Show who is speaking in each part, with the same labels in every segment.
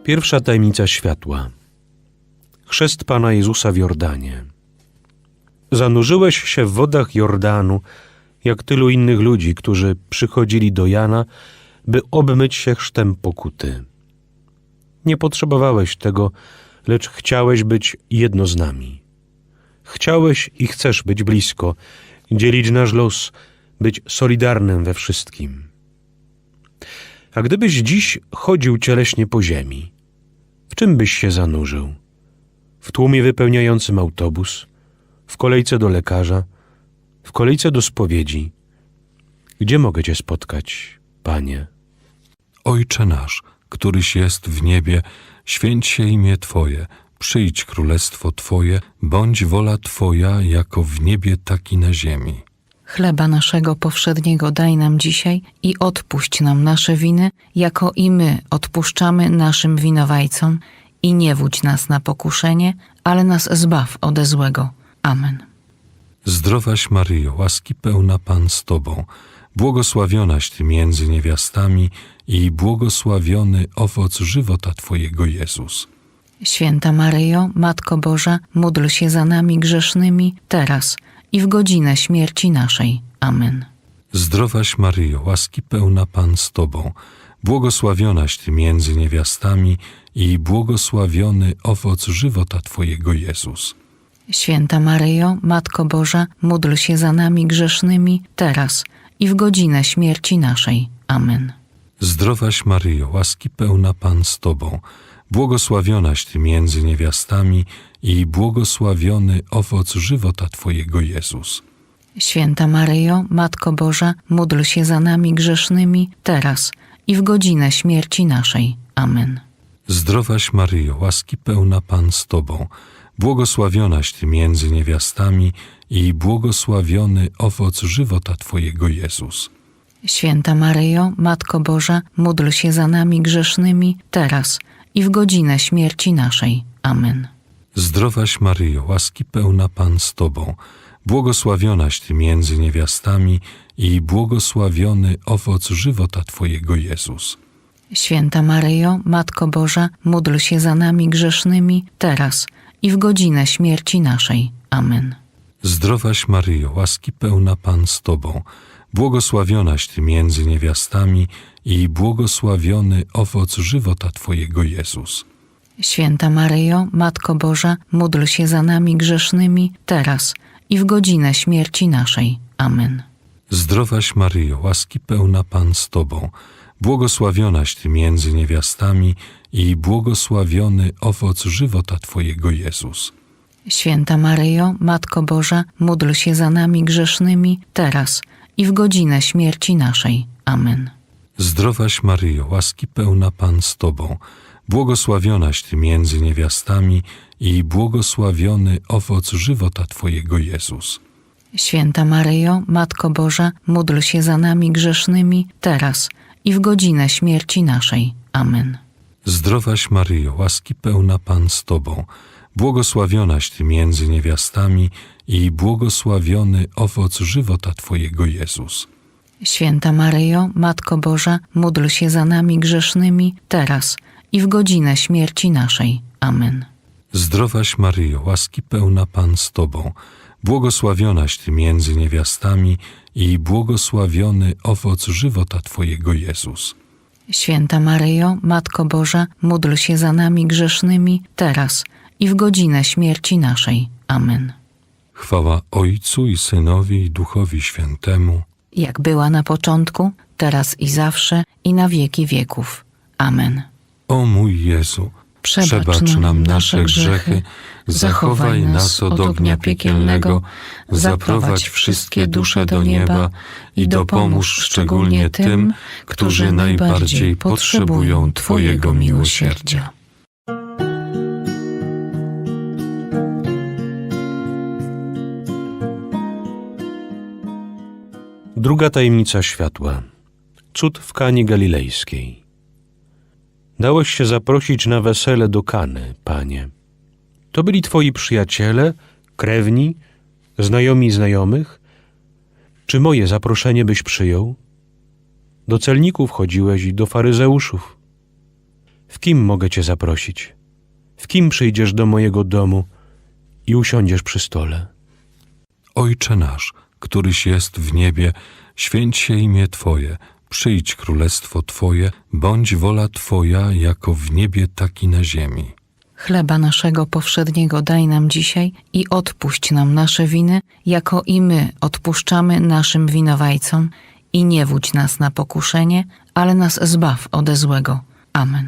Speaker 1: Pierwsza tajemnica światła. Chrzest Pana Jezusa w Jordanie. Zanurzyłeś się w wodach Jordanu, jak tylu innych ludzi, którzy przychodzili do Jana, by obmyć się chrztem pokuty. Nie potrzebowałeś tego, lecz chciałeś być jedno z nami. Chciałeś i chcesz być blisko, dzielić nasz los, być solidarnym we wszystkim. A gdybyś dziś chodził cieleśnie po ziemi, w czym byś się zanurzył? W tłumie wypełniającym autobus, w kolejce do lekarza, w kolejce do spowiedzi. Gdzie mogę Cię spotkać, Panie?
Speaker 2: Ojcze nasz, któryś jest w niebie, święć się imię Twoje, przyjdź królestwo Twoje, bądź wola Twoja, jako w niebie, tak i na ziemi.
Speaker 3: Chleba naszego powszedniego daj nam dzisiaj i odpuść nam nasze winy, jako i my odpuszczamy naszym winowajcom. I nie wódź nas na pokuszenie, ale nas zbaw ode złego. Amen.
Speaker 2: Zdrowaś Maryjo, łaski pełna Pan z Tobą, błogosławionaś Ty między niewiastami i błogosławiony owoc żywota Twojego Jezus.
Speaker 3: Święta Maryjo, Matko Boża, módl się za nami grzesznymi, teraz i w godzinę śmierci naszej. Amen.
Speaker 2: Zdrowaś Maryjo, łaski pełna Pan z Tobą, błogosławionaś Ty między niewiastami i błogosławiony owoc żywota Twojego Jezus.
Speaker 3: Święta Maryjo, Matko Boża, módl się za nami grzesznymi, teraz i w godzinę śmierci naszej. Amen.
Speaker 2: Zdrowaś Maryjo, łaski pełna Pan z Tobą, błogosławionaś Ty między niewiastami i błogosławiony owoc żywota Twojego Jezus.
Speaker 3: Święta Maryjo, Matko Boża, módl się za nami grzesznymi, teraz i w godzinę śmierci naszej. Amen.
Speaker 2: Zdrowaś Maryjo, łaski pełna Pan z Tobą, błogosławionaś Ty między niewiastami i błogosławiony owoc żywota Twojego Jezus.
Speaker 3: Święta Maryjo, Matko Boża, módl się za nami grzesznymi, teraz i w godzinę śmierci naszej. Amen.
Speaker 2: Zdrowaś Maryjo, łaski pełna Pan z Tobą, błogosławionaś Ty między niewiastami i błogosławiony owoc żywota Twojego Jezus.
Speaker 3: Święta Maryjo, Matko Boża, módl się za nami grzesznymi, teraz i w godzinę śmierci naszej. Amen.
Speaker 2: Zdrowaś Maryjo, łaski pełna Pan z Tobą, błogosławionaś Ty między niewiastami i błogosławiony owoc żywota Twojego Jezus.
Speaker 3: Święta Maryjo, Matko Boża, módl się za nami grzesznymi, teraz i w godzinę śmierci naszej. Amen.
Speaker 2: Zdrowaś Maryjo, łaski pełna Pan z Tobą, błogosławionaś Ty między niewiastami i błogosławiony owoc żywota Twojego Jezus.
Speaker 3: Święta Maryjo, Matko Boża, módl się za nami grzesznymi, teraz i w godzinę śmierci naszej. Amen.
Speaker 2: Zdrowaś Maryjo, łaski pełna Pan z Tobą, błogosławionaś Ty między niewiastami i błogosławiony owoc żywota Twojego Jezus.
Speaker 3: Święta Maryjo, Matko Boża, módl się za nami grzesznymi, teraz i w godzinę śmierci naszej. Amen.
Speaker 2: Zdrowaś Maryjo, łaski pełna Pan z Tobą, błogosławionaś Ty między niewiastami i błogosławiony owoc żywota Twojego Jezus.
Speaker 3: Święta Maryjo, Matko Boża, módl się za nami grzesznymi, teraz i w godzinę śmierci naszej. Amen.
Speaker 2: Zdrowaś Maryjo, łaski pełna Pan z Tobą, błogosławionaś Ty między niewiastami i błogosławiony owoc żywota Twojego Jezus.
Speaker 3: Święta Maryjo, Matko Boża, módl się za nami grzesznymi, teraz i w godzinę śmierci naszej. Amen.
Speaker 2: Chwała Ojcu i Synowi i Duchowi Świętemu,
Speaker 3: Jak była na początku, teraz i zawsze, i na wieki wieków. Amen.
Speaker 2: O mój Jezu, przebacz nam nasze grzechy, zachowaj nas od ognia piekielnego, zaprowadź wszystkie dusze do nieba i dopomóż szczególnie tym, którzy najbardziej potrzebują Twojego miłosierdzia.
Speaker 1: Druga tajemnica światła. Cud w Kanie Galilejskiej. Dałeś się zaprosić na wesele do Kany, Panie. To byli Twoi przyjaciele, krewni, znajomi znajomych? Czy moje zaproszenie byś przyjął? Do celników chodziłeś i do faryzeuszów. W kim mogę Cię zaprosić? W kim przyjdziesz do mojego domu i usiądziesz przy stole?
Speaker 2: Ojcze nasz, któryś jest w niebie, święć się imię Twoje, przyjdź królestwo Twoje, bądź wola Twoja jako w niebie, tak i na ziemi.
Speaker 3: Chleba naszego powszedniego daj nam dzisiaj i odpuść nam nasze winy, jako i my odpuszczamy naszym winowajcom. I nie wódź nas na pokuszenie, ale nas zbaw ode złego. Amen.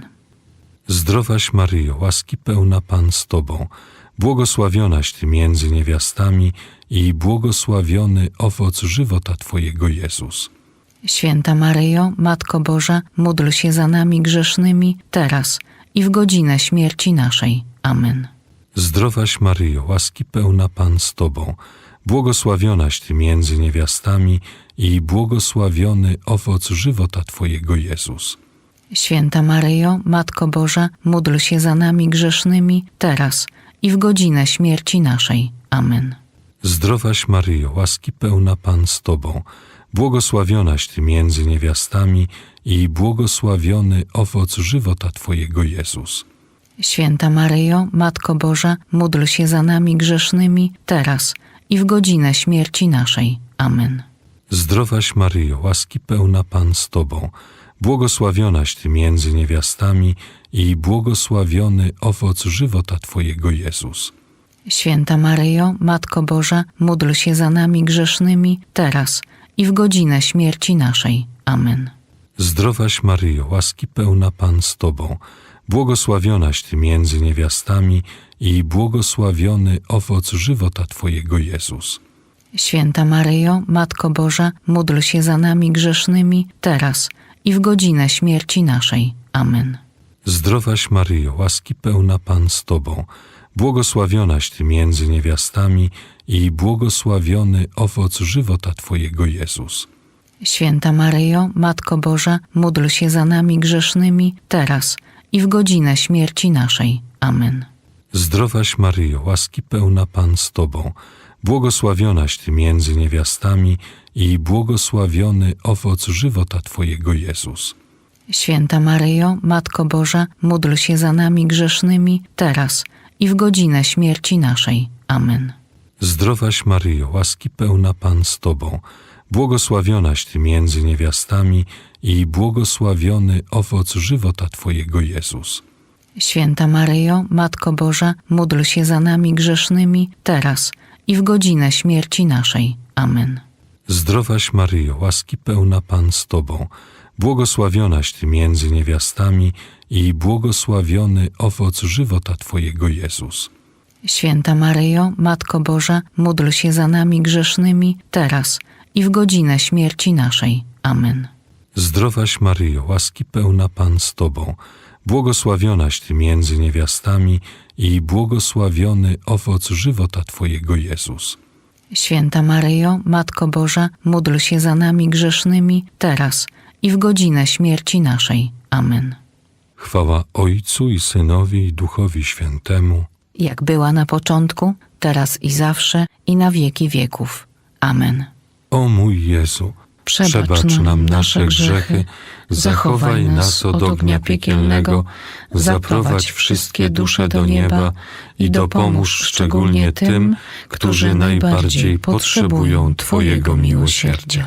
Speaker 2: Zdrowaś Maryjo, łaski pełna Pan z Tobą, błogosławionaś Ty między niewiastami i błogosławiony owoc żywota Twojego Jezus.
Speaker 3: Święta Maryjo, Matko Boża, módl się za nami grzesznymi, teraz i w godzinę śmierci naszej. Amen.
Speaker 2: Zdrowaś Maryjo, łaski pełna Pan z Tobą, błogosławionaś Ty między niewiastami i błogosławiony owoc żywota Twojego Jezus.
Speaker 3: Święta Maryjo, Matko Boża, módl się za nami grzesznymi, teraz i w godzinę śmierci naszej. Amen.
Speaker 2: Zdrowaś Maryjo, łaski pełna Pan z Tobą, błogosławionaś Ty między niewiastami i błogosławiony owoc żywota Twojego Jezus.
Speaker 3: Święta Maryjo, Matko Boża, módl się za nami grzesznymi, teraz i w godzinę śmierci naszej. Amen.
Speaker 2: Zdrowaś Maryjo, łaski pełna Pan z Tobą, błogosławionaś Ty między niewiastami i błogosławiony owoc żywota Twojego Jezus.
Speaker 3: Święta Maryjo, Matko Boża, módl się za nami grzesznymi, teraz i w godzinę śmierci naszej. Amen.
Speaker 2: Zdrowaś Maryjo, łaski pełna Pan z Tobą, błogosławionaś Ty między niewiastami i błogosławiony owoc żywota Twojego Jezus.
Speaker 3: Święta Maryjo, Matko Boża, módl się za nami grzesznymi, teraz i w godzinę śmierci naszej. Amen.
Speaker 2: Zdrowaś Maryjo, łaski pełna Pan z Tobą, błogosławionaś Ty między niewiastami i błogosławiony owoc żywota Twojego Jezus.
Speaker 3: Święta Maryjo, Matko Boża, módl się za nami grzesznymi, teraz i w godzinę śmierci naszej. Amen.
Speaker 2: Zdrowaś Maryjo, łaski pełna Pan z Tobą, błogosławionaś Ty między niewiastami i błogosławiony owoc żywota Twojego Jezus.
Speaker 3: Święta Maryjo, Matko Boża, módl się za nami grzesznymi, teraz i w godzinę śmierci naszej. Amen.
Speaker 2: Zdrowaś Maryjo, łaski pełna Pan z Tobą, błogosławionaś Ty między niewiastami i błogosławiony owoc żywota Twojego Jezus.
Speaker 3: Święta Maryjo, Matko Boża, módl się za nami grzesznymi, teraz i w godzinę śmierci naszej. Amen.
Speaker 2: Zdrowaś Maryjo, łaski pełna Pan z Tobą, błogosławionaś Ty między niewiastami i błogosławiony owoc żywota Twojego Jezus.
Speaker 3: Święta Maryjo, Matko Boża, módl się za nami grzesznymi, teraz i w godzinę śmierci naszej. Amen.
Speaker 2: Zdrowaś Maryjo, łaski pełna Pan z Tobą, błogosławionaś Ty między niewiastami i błogosławiony owoc żywota Twojego Jezus.
Speaker 3: Święta Maryjo, Matko Boża, módl się za nami grzesznymi, teraz i w godzinę śmierci naszej. Amen.
Speaker 2: Chwała Ojcu i Synowi i Duchowi Świętemu,
Speaker 3: Jak była na początku, teraz i zawsze, i na wieki wieków. Amen.
Speaker 2: O mój Jezu, przebacz nam nasze grzechy, zachowaj nas od ognia piekielnego, zaprowadź wszystkie dusze do nieba i dopomóż szczególnie tym, którzy najbardziej potrzebują Twojego miłosierdzia.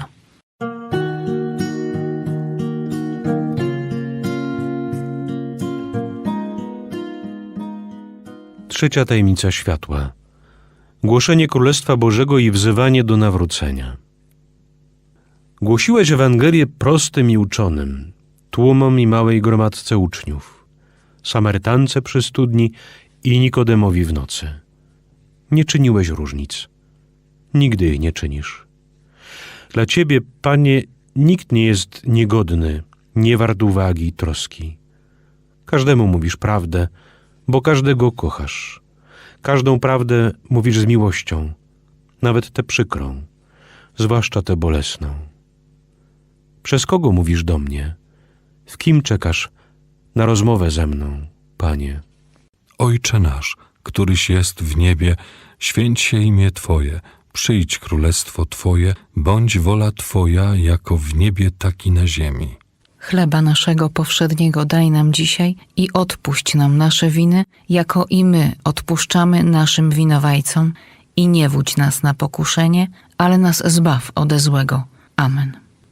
Speaker 1: Trzecia tajemnica światła. Głoszenie Królestwa Bożego i wzywanie do nawrócenia. Głosiłeś Ewangelię prostym i uczonym, tłumom i małej gromadce uczniów, Samarytance przy studni i Nikodemowi w nocy. Nie czyniłeś różnic. Nigdy jej nie czynisz. Dla Ciebie, Panie, nikt nie jest niegodny, nie wart uwagi i troski. Każdemu mówisz prawdę, bo każdego kochasz. Każdą prawdę mówisz z miłością, nawet tę przykrą, zwłaszcza tę bolesną. Przez kogo mówisz do mnie? W kim czekasz na rozmowę ze mną, Panie?
Speaker 2: Ojcze nasz, któryś jest w niebie, święć się imię Twoje, przyjdź królestwo Twoje, bądź wola Twoja jako w niebie, tak i na ziemi.
Speaker 3: Chleba naszego powszedniego daj nam dzisiaj i odpuść nam nasze winy, jako i my odpuszczamy naszym winowajcom. I nie wódź nas na pokuszenie, ale nas zbaw ode złego. Amen.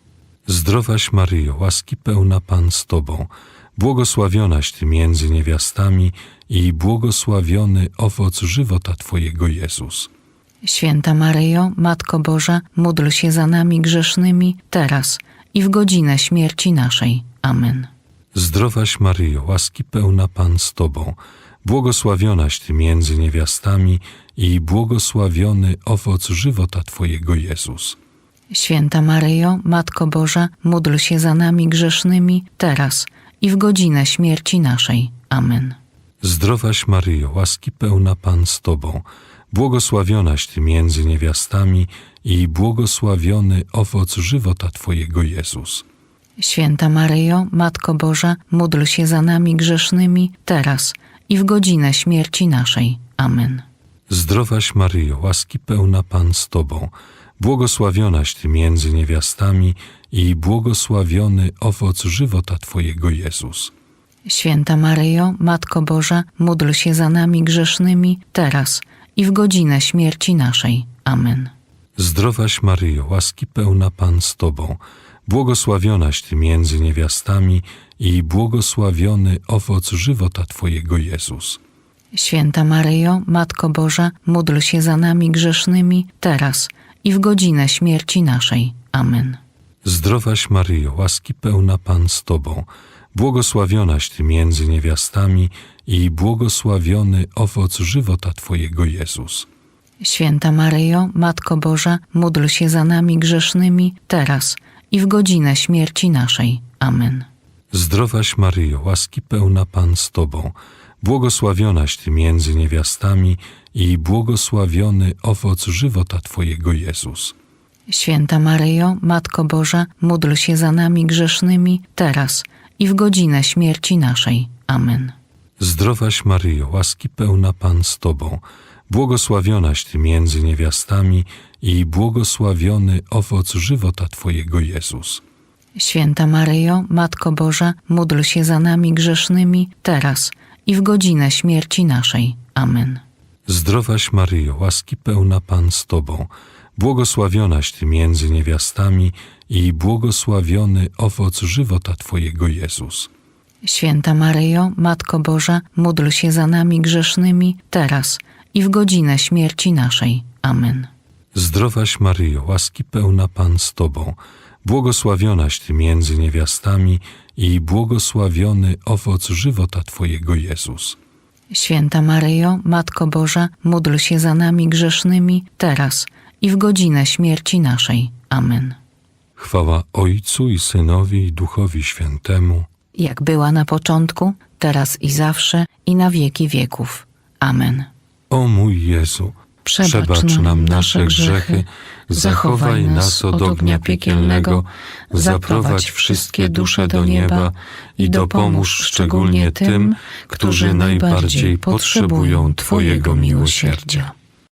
Speaker 2: Zdrowaś Maryjo, łaski pełna Pan z Tobą, błogosławionaś Ty między niewiastami i błogosławiony owoc żywota Twojego Jezus.
Speaker 3: Święta Maryjo, Matko Boża, módl się za nami grzesznymi, teraz i w godzinę śmierci naszej. Amen.
Speaker 2: Zdrowaś Maryjo, łaski pełna Pan z Tobą, błogosławionaś Ty między niewiastami i błogosławiony owoc żywota Twojego Jezus.
Speaker 3: Święta Maryjo, Matko Boża, módl się za nami grzesznymi, teraz i w godzinę śmierci naszej. Amen.
Speaker 2: Zdrowaś Maryjo, łaski pełna Pan z Tobą, błogosławionaś Ty między niewiastami i błogosławiony owoc żywota Twojego Jezus.
Speaker 3: Święta Maryjo, Matko Boża, módl się za nami grzesznymi, teraz i w godzinę śmierci naszej. Amen.
Speaker 2: Zdrowaś Maryjo, łaski pełna Pan z Tobą, błogosławionaś Ty między niewiastami i błogosławiony owoc żywota Twojego Jezus.
Speaker 3: Święta Maryjo, Matko Boża, módl się za nami grzesznymi, teraz i w godzinę śmierci naszej. Amen.
Speaker 2: Zdrowaś Maryjo, łaski pełna Pan z Tobą, błogosławionaś Ty między niewiastami i błogosławiony owoc żywota Twojego Jezus.
Speaker 3: Święta Maryjo, Matko Boża, módl się za nami grzesznymi, teraz i w godzinę śmierci naszej. Amen.
Speaker 2: Zdrowaś Maryjo, łaski pełna Pan z Tobą, błogosławionaś Ty między niewiastami i błogosławiony owoc żywota Twojego Jezus.
Speaker 3: Święta Maryjo, Matko Boża, módl się za nami grzesznymi, teraz i w godzinę śmierci naszej. Amen.
Speaker 2: Zdrowaś Maryjo, łaski pełna Pan z Tobą, błogosławionaś Ty między niewiastami i błogosławiony owoc żywota Twojego Jezus.
Speaker 3: Święta Maryjo, Matko Boża, módl się za nami grzesznymi, teraz i w godzinę śmierci naszej. Amen.
Speaker 2: Zdrowaś Maryjo, łaski pełna Pan z Tobą, błogosławionaś Ty między niewiastami i błogosławiony owoc żywota Twojego Jezus.
Speaker 3: Święta Maryjo, Matko Boża, módl się za nami grzesznymi, teraz i w godzinę śmierci naszej. Amen.
Speaker 2: Zdrowaś Maryjo, łaski pełna Pan z Tobą, błogosławionaś Ty między niewiastami i błogosławiony owoc żywota Twojego Jezus.
Speaker 3: Święta Maryjo, Matko Boża, módl się za nami grzesznymi, teraz i w godzinę śmierci naszej. Amen.
Speaker 2: Zdrowaś Maryjo, łaski pełna Pan z Tobą, błogosławionaś Ty między niewiastami i błogosławiony owoc żywota Twojego Jezus.
Speaker 3: Święta Maryjo, Matko Boża, módl się za nami grzesznymi, teraz i w godzinę śmierci naszej. Amen.
Speaker 2: Chwała Ojcu i Synowi i Duchowi Świętemu,
Speaker 3: Jak była na początku, teraz i zawsze, i na wieki wieków. Amen.
Speaker 2: O mój Jezu, przebacz nam nasze grzechy, zachowaj nas od ognia piekielnego, zaprowadź wszystkie dusze do nieba i dopomóż szczególnie tym, którzy najbardziej potrzebują Twojego miłosierdzia.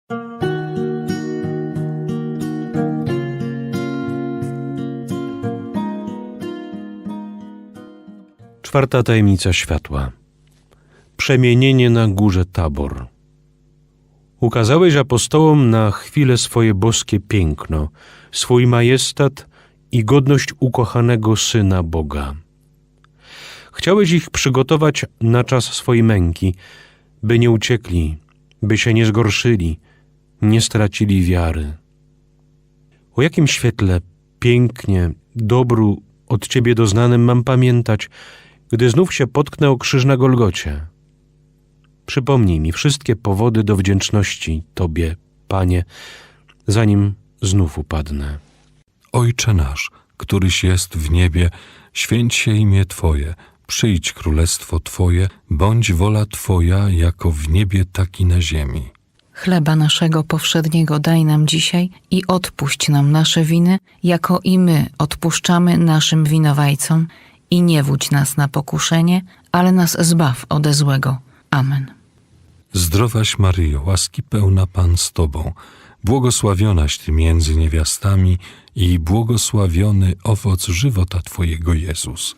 Speaker 1: Czwarta tajemnica światła. Przemienienie na górze Tabor. Ukazałeś apostołom na chwilę swoje boskie piękno, swój majestat i godność ukochanego Syna Boga. Chciałeś ich przygotować na czas swojej męki, by nie uciekli, by się nie zgorszyli, nie stracili wiary. O jakim świetle, pięknie, dobru od Ciebie doznanym mam pamiętać, gdy znów się potknę o krzyż na Golgocie. Przypomnij mi wszystkie powody do wdzięczności Tobie, Panie, zanim znów upadnę.
Speaker 2: Ojcze nasz, któryś jest w niebie, święć się imię Twoje, przyjdź królestwo Twoje, bądź wola Twoja jako w niebie, tak i na ziemi.
Speaker 3: Chleba naszego powszedniego daj nam dzisiaj i odpuść nam nasze winy, jako i my odpuszczamy naszym winowajcom. I nie wódź nas na pokuszenie, ale nas zbaw ode złego. Amen.
Speaker 2: Zdrowaś Maryjo, łaski pełna Pan z Tobą, błogosławionaś Ty między niewiastami i błogosławiony owoc żywota Twojego Jezus.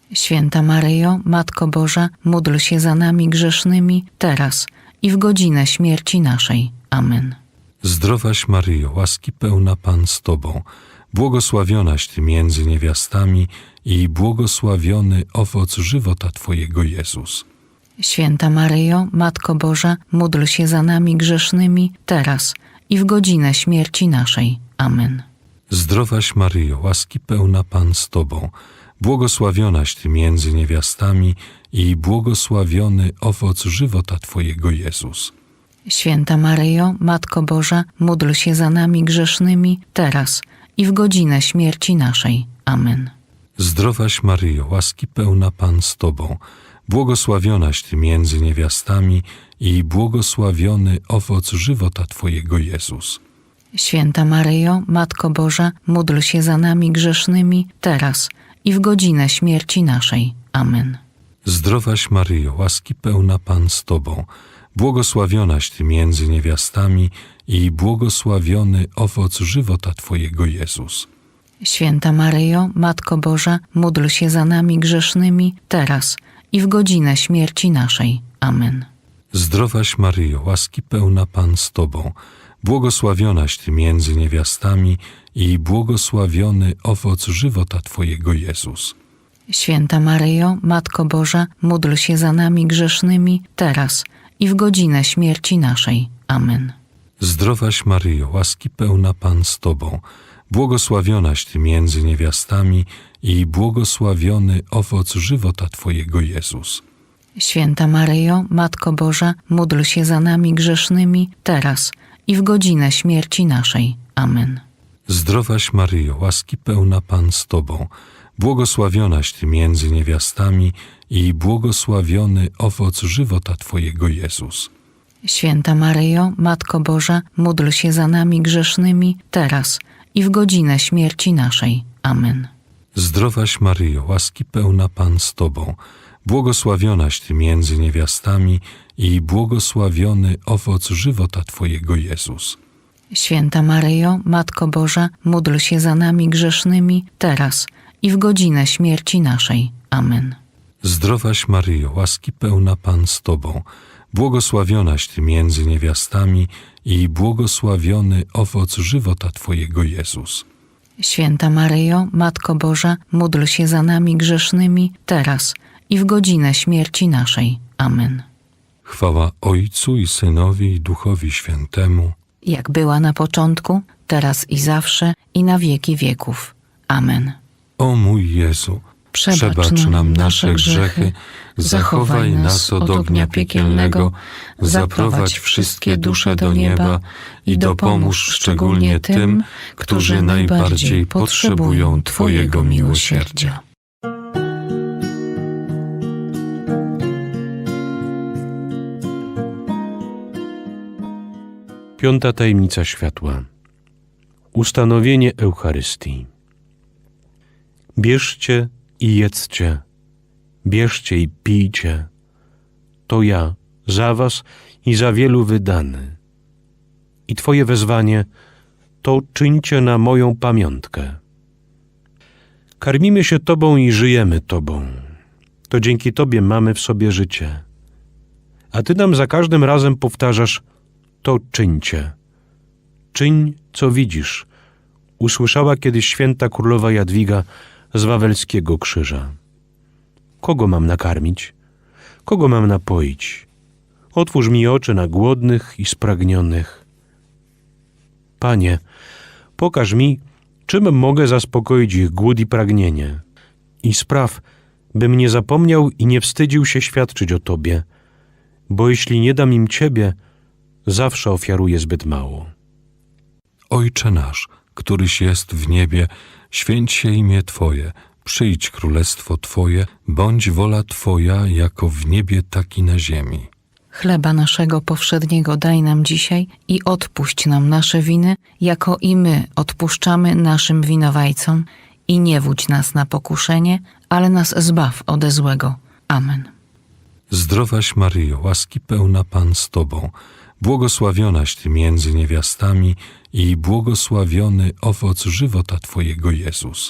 Speaker 3: Święta Maryjo, Matko Boża, módl się za nami grzesznymi, teraz i w godzinę śmierci naszej. Amen.
Speaker 2: Zdrowaś Maryjo, łaski pełna Pan z Tobą, błogosławionaś Ty między niewiastami i błogosławiony owoc żywota Twojego Jezus.
Speaker 3: Święta Maryjo, Matko Boża, módl się za nami grzesznymi, teraz i w godzinę śmierci naszej. Amen.
Speaker 2: Zdrowaś Maryjo, łaski pełna Pan z Tobą, błogosławionaś Ty między niewiastami i błogosławiony owoc żywota Twojego Jezus.
Speaker 3: Święta Maryjo, Matko Boża, módl się za nami grzesznymi, teraz i w godzinę śmierci naszej. Amen.
Speaker 2: Zdrowaś Maryjo, łaski pełna Pan z Tobą, błogosławionaś Ty między niewiastami i błogosławiony owoc żywota Twojego Jezus.
Speaker 3: Święta Maryjo, Matko Boża, módl się za nami grzesznymi, teraz i w godzinę śmierci naszej. Amen.
Speaker 2: Zdrowaś Maryjo, łaski pełna Pan z Tobą, błogosławionaś Ty między niewiastami i błogosławiony owoc żywota Twojego Jezus.
Speaker 3: Święta Maryjo, Matko Boża, módl się za nami grzesznymi, teraz i w godzinę śmierci naszej. Amen.
Speaker 2: Zdrowaś Maryjo, łaski pełna Pan z Tobą, błogosławionaś Ty między niewiastami i błogosławiony owoc żywota Twojego Jezus.
Speaker 3: Święta Maryjo, Matko Boża, módl się za nami grzesznymi, teraz i w godzinę śmierci naszej. Amen.
Speaker 2: Zdrowaś Maryjo, łaski pełna Pan z Tobą, błogosławionaś Ty między niewiastami i błogosławiony owoc żywota Twojego Jezus.
Speaker 3: Święta Maryjo, Matko Boża, módl się za nami grzesznymi, teraz i w godzinę śmierci naszej. Amen.
Speaker 2: Zdrowaś Maryjo, łaski pełna Pan z Tobą, błogosławionaś Ty między niewiastami i błogosławiony owoc żywota Twojego Jezus.
Speaker 3: Święta Maryjo, Matko Boża, módl się za nami grzesznymi, teraz i w godzinę śmierci naszej. Amen.
Speaker 2: Zdrowaś Maryjo, łaski pełna Pan z Tobą, błogosławionaś Ty między niewiastami i błogosławiony owoc żywota Twojego Jezus.
Speaker 3: Święta Maryjo, Matko Boża, módl się za nami grzesznymi, teraz i w godzinę śmierci naszej. Amen.
Speaker 2: Zdrowaś Maryjo, łaski pełna Pan z Tobą, błogosławionaś Ty między niewiastami i błogosławiony owoc żywota Twojego Jezus.
Speaker 3: Święta Maryjo, Matko Boża, módl się za nami grzesznymi, teraz i w godzinę śmierci naszej. Amen.
Speaker 2: Chwała Ojcu i Synowi i Duchowi Świętemu,
Speaker 3: Jak była na początku, teraz i zawsze, i na wieki wieków. Amen.
Speaker 2: O mój Jezu, przebacz nam nasze grzechy, zachowaj nas od ognia piekielnego, zaprowadź wszystkie dusze do nieba i dopomóż szczególnie tym, którzy najbardziej potrzebują Twojego miłosierdzia.
Speaker 1: Piąta tajemnica światła. Ustanowienie Eucharystii. Bierzcie i jedzcie, bierzcie i pijcie. To ja za was i za wielu wydany. I Twoje wezwanie to czyńcie na moją pamiątkę. Karmimy się Tobą i żyjemy Tobą. To dzięki Tobie mamy w sobie życie. A Ty nam za każdym razem powtarzasz: to czyńcie. Czyń, co widzisz. Usłyszała kiedyś święta królowa Jadwiga z Wawelskiego Krzyża. Kogo mam nakarmić? Kogo mam napoić? Otwórz mi oczy na głodnych i spragnionych. Panie, pokaż mi, czym mogę zaspokoić ich głód i pragnienie. I spraw, bym nie zapomniał i nie wstydził się świadczyć o Tobie, bo jeśli nie dam im Ciebie, zawsze ofiaruję zbyt mało.
Speaker 2: Ojcze nasz, któryś jest w niebie, święć się imię Twoje, przyjdź królestwo Twoje, bądź wola Twoja jako w niebie, tak i na ziemi.
Speaker 3: Chleba naszego powszedniego daj nam dzisiaj i odpuść nam nasze winy, jako i my odpuszczamy naszym winowajcom. I nie wódź nas na pokuszenie, ale nas zbaw ode złego. Amen.
Speaker 2: Zdrowaś Maryjo, łaski pełna Pan z Tobą, błogosławionaś Ty między niewiastami i błogosławiony owoc żywota Twojego Jezus.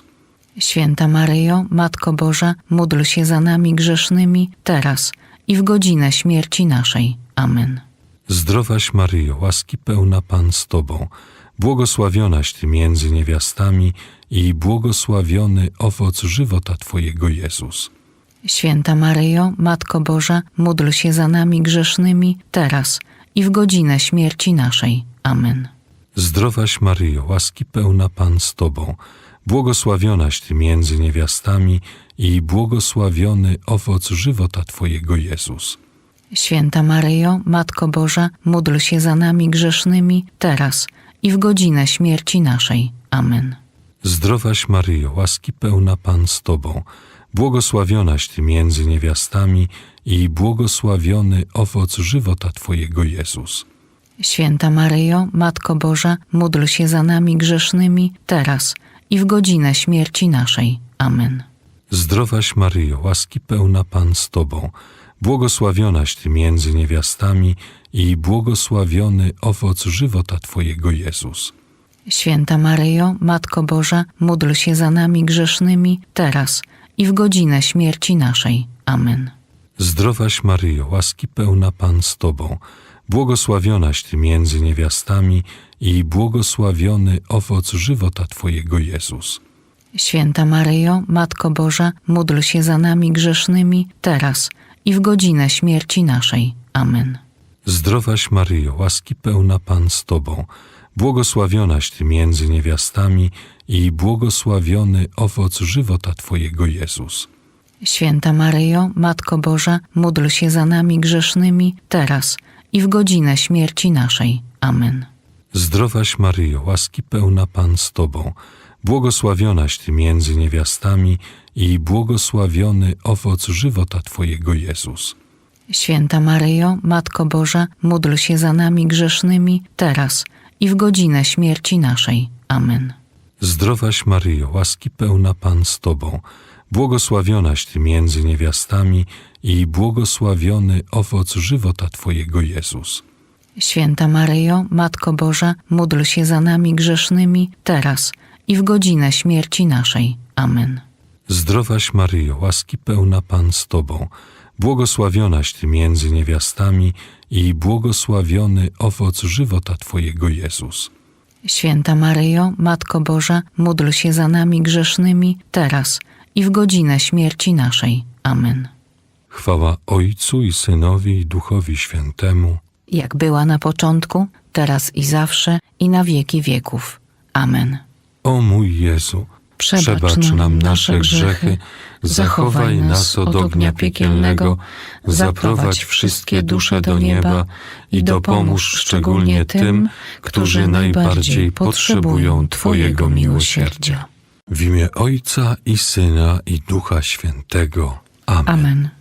Speaker 3: Święta Maryjo, Matko Boża, módl się za nami grzesznymi, teraz i w godzinę śmierci naszej. Amen.
Speaker 2: Zdrowaś Maryjo, łaski pełna Pan z Tobą, błogosławionaś Ty między niewiastami i błogosławiony owoc żywota Twojego Jezus.
Speaker 3: Święta Maryjo, Matko Boża, módl się za nami grzesznymi, teraz i w godzinę śmierci naszej. Amen.
Speaker 2: Zdrowaś Maryjo, łaski pełna Pan z Tobą, błogosławionaś Ty między niewiastami i błogosławiony owoc żywota Twojego Jezus.
Speaker 3: Święta Maryjo, Matko Boża, módl się za nami grzesznymi, teraz i w godzinę śmierci naszej. Amen.
Speaker 2: Zdrowaś Maryjo, łaski pełna Pan z Tobą, błogosławionaś Ty między niewiastami i błogosławiony owoc żywota Twojego Jezus.
Speaker 3: Święta Maryjo, Matko Boża, módl się za nami grzesznymi, teraz i w godzinę śmierci naszej. Amen.
Speaker 2: Zdrowaś Maryjo, łaski pełna Pan z Tobą, błogosławionaś Ty między niewiastami i błogosławiony owoc żywota Twojego Jezus.
Speaker 3: Święta Maryjo, Matko Boża, módl się za nami grzesznymi, teraz i w godzinę śmierci naszej. Amen.
Speaker 2: Zdrowaś Maryjo, łaski pełna Pan z Tobą, błogosławionaś Ty między niewiastami i błogosławiony owoc żywota Twojego Jezus.
Speaker 3: Święta Maryjo, Matko Boża, módl się za nami grzesznymi, teraz i w godzinę śmierci naszej. Amen.
Speaker 2: Zdrowaś Maryjo, łaski pełna Pan z Tobą, błogosławionaś Ty między niewiastami i błogosławiony owoc żywota Twojego Jezus.
Speaker 3: Święta Maryjo, Matko Boża, módl się za nami grzesznymi, teraz i w godzinę śmierci naszej. Amen.
Speaker 2: Zdrowaś Maryjo, łaski pełna Pan z Tobą, błogosławionaś Ty między niewiastami i błogosławiony owoc żywota Twojego Jezus.
Speaker 3: Święta Maryjo, Matko Boża, módl się za nami grzesznymi, teraz i w godzinę śmierci naszej. Amen.
Speaker 2: Zdrowaś Maryjo, łaski pełna Pan z Tobą, błogosławionaś Ty między niewiastami i błogosławiony owoc żywota Twojego Jezus.
Speaker 3: Święta Maryjo, Matko Boża, módl się za nami grzesznymi, teraz i w godzinę śmierci naszej. Amen.
Speaker 2: Zdrowaś Maryjo, łaski pełna Pan z Tobą, błogosławionaś Ty między niewiastami i błogosławiony owoc żywota Twojego Jezus.
Speaker 3: Święta Maryjo, Matko Boża, módl się za nami grzesznymi, teraz i w godzinę śmierci naszej. Amen.
Speaker 2: Chwała Ojcu i Synowi i Duchowi Świętemu,
Speaker 3: Jak była na początku, teraz i zawsze, i na wieki wieków. Amen.
Speaker 2: O mój Jezu, przebacz nam nasze grzechy, zachowaj nas od ognia piekielnego, zaprowadź wszystkie dusze do nieba i dopomóż szczególnie tym, którzy najbardziej potrzebują Twojego miłosierdzia. W imię Ojca i Syna i Ducha Świętego. Amen.
Speaker 3: Amen.